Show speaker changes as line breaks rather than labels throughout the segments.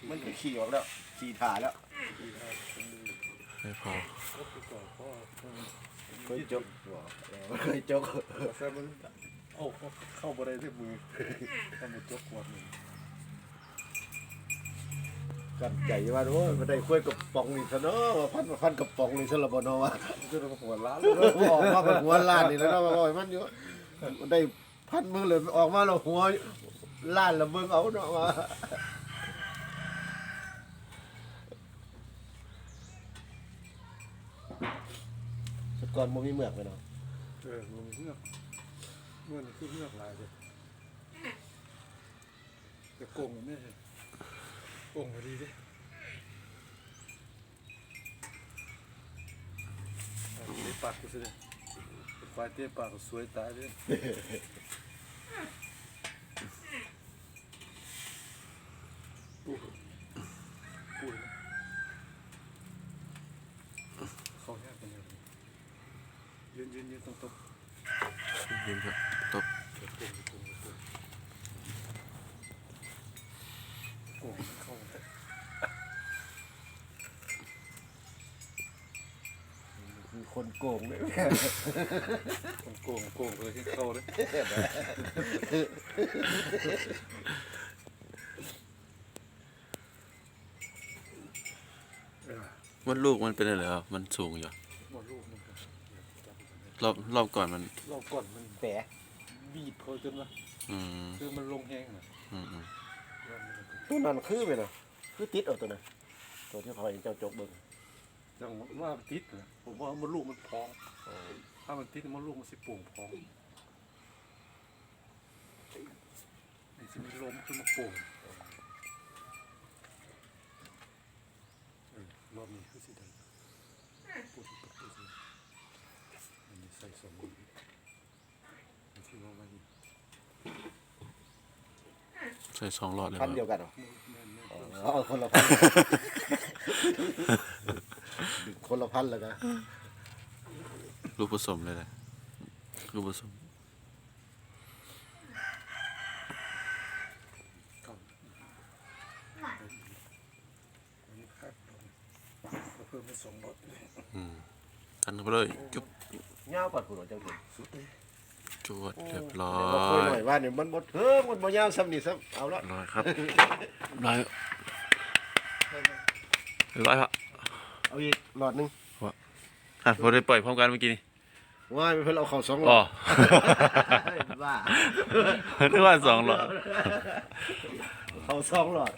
มันขี่ออกแล้วขี่ถ่าแล้ว
ไม่พอ
เคยจกเคยจก
แต่มันเอาเข้าบ่ได้ที่มือถ้ามันจกขวดนึง
กันใจว่าโอ้ยมันได้คุยกับปองนี่ซะเนาะพันกับปองนี่ซะละบ่เนาะว่า
จะมาหัวล้าน
ออกมาเป็นหัวล้านนี่แล้วเนาะว่ามันอยู่มันได้พันมือเลยออกมาแล้วหัวล้านละเบิ่งเอาเนาะว่าสก่อนบ่มีเมือกเลยเนาะ
มันเมื่อนี่คือเมื่อลายเลยจะโกงมันไม่ใช่โกงพอดีดิเตะปากกูสิเลยไฟเตะปากสวยตายเลยปูเขาแยกกันเลยยืนตรง
ยืนครับตบ
โกงเข้า
มีคนโกงเลย
โกงเลยที่เข้าเลย
มันลูกมันเป็นอะไรครับมันสูงอยู่รอบก่อนมัน
แปะ
บีบเขาจนว่าคือมันลงแห้งนะ
ตัวนั้นคือไปนะคือติดเอาตัวนั้นตัวที่พอเจ้าจกเบิ่ง
จังว่าติดนะผมว่ามันลูกมันพองถ้ามันติดมันลูกมันสิโป่งพองนี่สิมันลมขึ้นมาโป่งรอบนี้คือสิได้ปูสิปูสิอันนี้ใส่สองมือที่ว่าไว้
ใส่2 หลอดเลย
พันเดียวกันเหรอคนละพันคนละพันเลยนะ
ลูกผสมเลยนะลูกผสม
เพิ่มไป2 หลอด
กันเข้าไปเลยจุ๊บ
เงาปัดผู้หลวงเจ้าเก่ง
จวดเรียบร้อ
ยหน่อยว่าเนี่ยมันหมดมันบ่ยาวซ้ำนี่ซ้ำเอาละ
ร้อยครับร้อยครับ
เอาอีกหลอดนึง
พอได้ปล่อยพร้อมกันเมื่อกี้นี่
ว่าไม่เพิ่นเอาเข้า2 หลอดว่า
นึกว่า2 หลอด
เข้า2 หลอด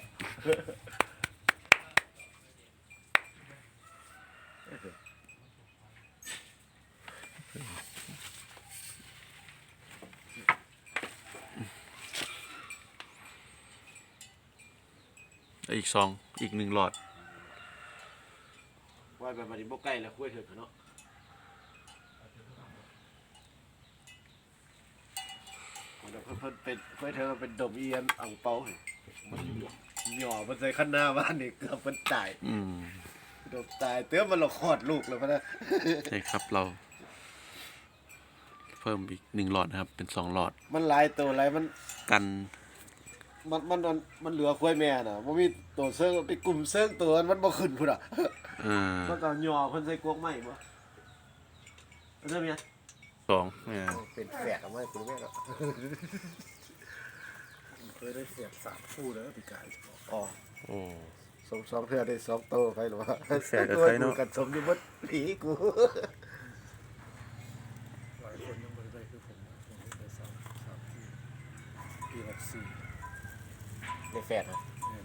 อีก1 หลอด
ว่าแบบนี้บ่ใกล้แล้วคุยเถิดเนาะเพิ่นเป็นคุยเถิดเป็นดมเอียนอ่างเปามันหย่อมันใส่ขั้นหน้าบ้านนี่เกือบมันตายดมตายเตื้อมันเราคลอดลูกแล้วพะนะ
ใช่ครับเราเพิ่มอีก1 หลอดนะครับเป็น2 หลอด
มันหลายตัวหลายมัน
กัน
มันเหลือควายแม่น่ะบ่มีตัวเซิงไปกลุ่มเซิงตัวมันบ่ขึ้นพุ่นอ่ะมันก็ย่อเพิ่นใส่กวกไม้บ่เริ่มยัง
2
เป็นแฝดเอาไว้คุณแม่เนาะ
เคยได้เสียบ3 คู่แล้วปีกาย
อ๋อสองเทื่อได้2โตไปหรอวะ
แฝดกับใครเนาะ
กันสมอยู่บ่ผีกู
หลายคนยังบ่ได้คือผมได้3ปี64
ในแฟดครับ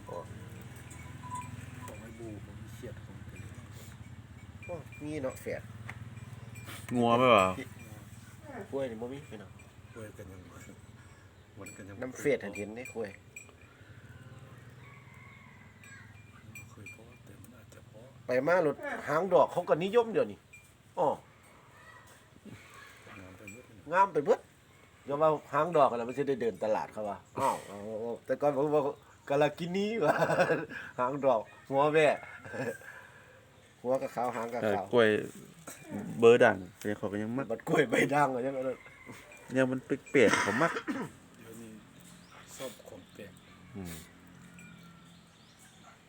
ของไอ้บูผมมีเขียดของ
มีเนาะแฟด
งัวไหมวะ
กล้วยนี่บ่มีพี่น้อง
กล้วยกันยังวันกันยัง
น้ำเฟดเห็นได้กล้วย
เคยพอแต่มันอาจจะพอ
ไปมารถหางดอกเขาก็นิยมเดี๋ยวนี้งามไปเบิดก็ว่าหางดอกอะไรมันจะได้เดินตลาดเขาว่าแต่ก่อนผมบอกกะลากินีว่าหางดอกหัวแม่หัวกับขาวหางกับขาว
กล้วยเบอร์ดังเป็นเขาก็ยังมัก
บัดกล้วยใบด่างอย่างนั้น
ยังมันเปียกๆเขามัก
เดี๋ยวนี้ชอบของแปลก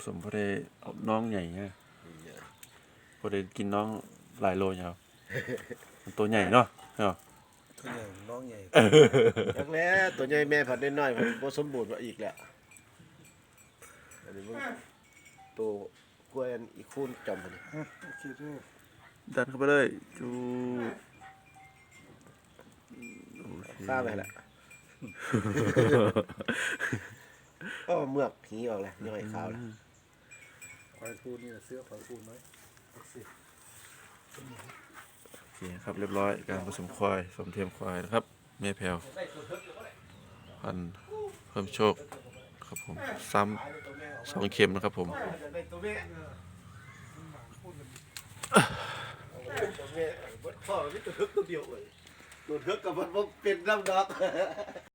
มพอได้เอาน้องใหญ่ฮะพอได้กินน้องหลายโลยครับมันตัวใหญ่เนาะเนาะ
ตัวใหญ่น้องใหญ่
จักแล้วตัวใหญ่แม่ผัดน้อยๆผัดบ่สมบูรณ์ว่าอีกแล้วอันนี้มันตัวกล้วยอันอีกคูณจำมันนี่
โอเคเด้อ
ดันเข้าไปเลยจู
ข้าไปแล้วก็เมือกหีออกแล้วย่อยขาวแล้ว
ควายปูนี่เสื้อควายปูไหมตักสิ
โอเคครับเรียบร้อยการผสมควายสมเทียมควายนะครับแม่แพรวพันธุ์เพิ่มโชคครับผมซ้ำ2 เข็มนะครับผม
ตัวแม่พ่อมันตัวเทือกตัวเดียวเลยตัวเทือกกับมันบ่เป็นน้ำดอก